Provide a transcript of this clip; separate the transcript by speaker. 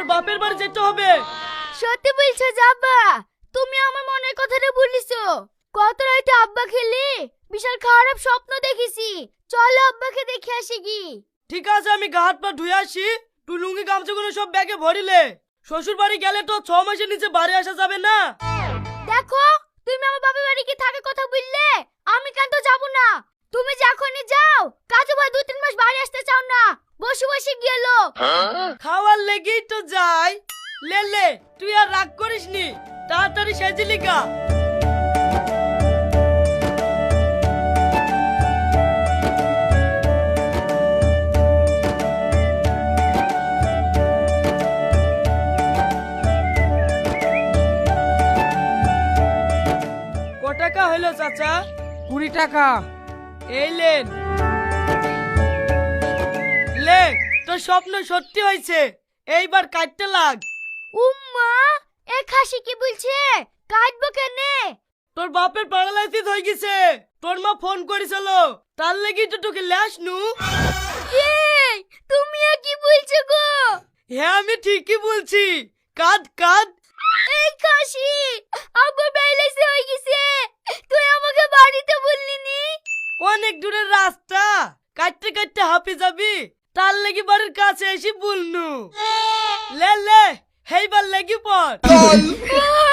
Speaker 1: বাপের বাড়ি যেতে হবে।
Speaker 2: সত্যি বলছো যাবা? তুমি আমার মনের কথাটা বলিছো। কত রাতে আব্বা খেলে বিশাল খারাপ স্বপ্ন দেখেছি। চলো আব্বাকে দেখে আসি কি।
Speaker 1: ঠিক আছে, আমি গা হাত পা ধুয়ে আসি। তুই লুঙ্গি গামছাগুলো সব ব্যাগে ভরিলে। শ্বশুর বাড়ি গেলে তো 6 মাসের নিচে বাড়ি আসা যাবে না।
Speaker 2: দেখো, তুমি আমার বাবার বাড়ি কি থাকার কথা বললে, আমি কেন তো যাবো না। তুমি যখনই যাও কাজু ভাই 2-3 মাস বাড়ি আসতে চাও না, বসে বসে গেল।
Speaker 1: খাওয়ার লেগেই তো যাই। লে লে, তুই আর রাগ করিস নি, তাড়াতাড়ি সেজিলি গা। ক টাকা হলো চাচা?
Speaker 3: 20 টাকা।
Speaker 1: এই লেন। লে, তোর স্বপ্ন সত্যি হয়েছে, এইবার কাটতে লাগ।
Speaker 2: উম্মা, এ খাসি কি বলছে? কাটবো কেনে?
Speaker 1: তোর বাপের প্যারালাইসিস হয়ে গেছে। তোর মা ফোন করেছিল, তার লেগে তো তোকে ল্যাস নু।
Speaker 2: এই, তুমি এ কি বলছো গো?
Speaker 1: হ্যাঁ, আমি ঠিকই বলছি। কাঁদ কাঁদ।
Speaker 2: এই খাসি, আব্বা প্যারালাইসিস হয়ে গেছে, তুই আমাকে বাড়িতে বললি নি?
Speaker 1: অনেক দূরের রাস্তা, কাটতে কাটতে হাঁপে যাবি, তার লেগে বাড়ির কাছে এসে বলনু। লে লে, হেইবার লেগে পড়।